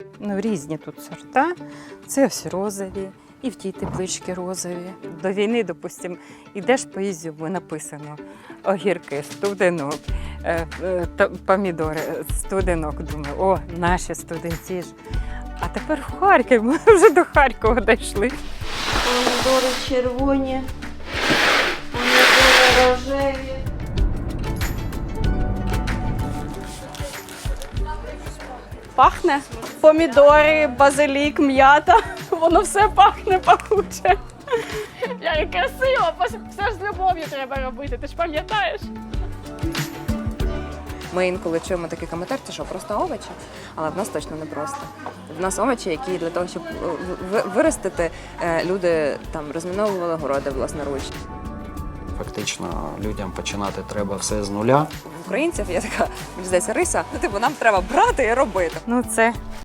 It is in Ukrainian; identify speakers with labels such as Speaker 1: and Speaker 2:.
Speaker 1: Ну, різні тут сорта. Це ось розові, і в тій тепличці розові. До війни, допустимо, йдеш по Ізюму, написано огірки, студенок, помідори, студенок. Думаю, о, наші студенці ж. А тепер в Харків, ми вже до Харкова дійшли.
Speaker 2: Помідори червоні, помідори рожеві.
Speaker 3: Пахне. Помідори, базилік, м'ята. Воно все пахне пахуче. Як красиво, все ж з любов'ю треба робити, ти ж пам'ятаєш?
Speaker 4: Ми інколи чуємо такий коментар, це що, просто овочі? Але в нас точно не просто. В нас овочі, які для того, щоб виростити, люди там розміновували городи власноруч.
Speaker 5: Фактично людям починати треба все з нуля.
Speaker 4: В українців є така, мені здається, риса, нам треба брати і робити.
Speaker 1: Ну, це